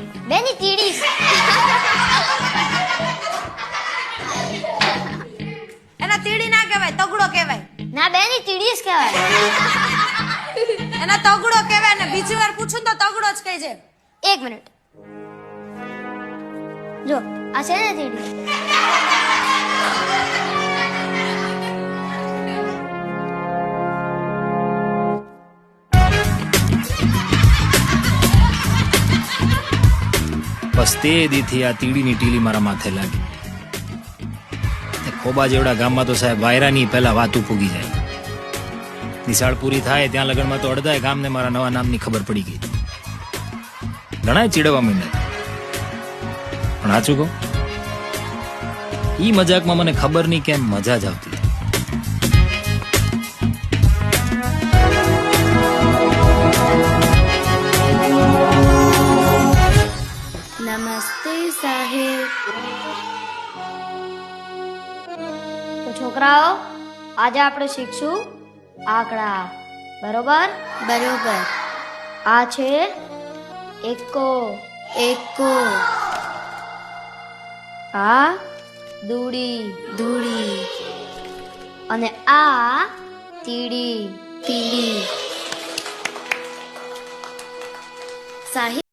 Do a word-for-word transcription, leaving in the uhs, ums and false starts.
બેની તીડી. એના તીડી ના કહેવાય, તગડો કહેવાય. ના બેની તીડી જ કહેવાય. એના તગડો કહેવાય ને બીજી વાર પૂછું તો તગડો જ કહેજે. એક મિનિટ જો આ છે ને તીડી. બસ તે દીથી આ તીડીની ટીલી મારા માથે લાગી. ખોબા જેવડા ગામમાં તો સાહેબ વાયરાની પહેલા વાતું પૂગી જાય. નિશાળ પૂરી થાય ત્યાં લગનમાં તો અડધાય ગામને મારા નવા નામની ખબર પડી ગઈ. ઘણાય ચીડવા માંડ્યા. પણ સાચું કહું, ઈ મજાકમાં મને ખબર નહીં કેમ મજા જ આવતી. નમસ્તે સાહેબ. તો છોકરાઓ, આજે આપણે શીખશું આંકડા. બરોબર બરોબર. આ છે એકો. એકો. આ દૂડી. દૂડી. અને આ તીડી. તીડી. સાહેબ